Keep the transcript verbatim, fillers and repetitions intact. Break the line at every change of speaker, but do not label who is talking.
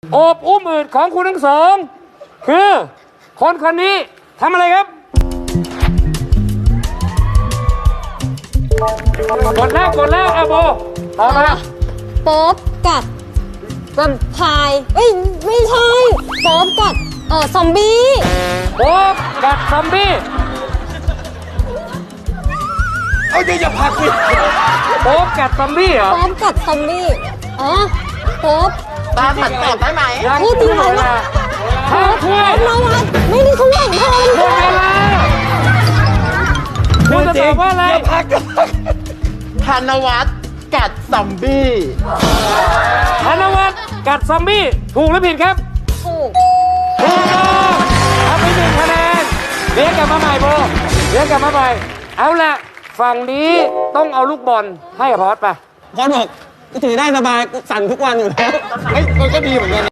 โอบอุ้มอืดของคุณทั้งสองคือคนคนนี้ทำอะไรครับกดแล้วกดแล้วอาโบต่อมา
โป๊บกัดแวมไพร์เอ้ยไม่ใช่โป๊บกัดเออซอมบี้
โป๊บกัดซอมบี้
เอาเดี๋ยวอย่าพักสิ
โป๊บกัดซอมบี้เหรอ
โป๊บกัดซอมบี้อ๋อโป๊บ
ตาผัดตอบได้ไหม
พูดจริงเหรอ
ห้าถ้วย
นวัดไม่ได้ทุกอย่างทอง
หมดเวลาคุณจะตอบว่าอะไร
อย่าพักอย่าพัก
ธนวัฒน์กัดซอมบี้
ธนวัฒน์กัดซอมบี้ถูกหรือผิดครับ
ถูก
ถูกต้องเอาไปหนึ่งคะแนนเรียกกลับมาใหม่โบเรียกกลับมาใหม่เอาละฝั่งนี้ต้องเอาลูกบอลให้กับพอสไป
พอสบอกกูถือได้สบายกูสั่นทุกวันอยู่แล้วเฮ้ยมันก็ดีเหมือนกัน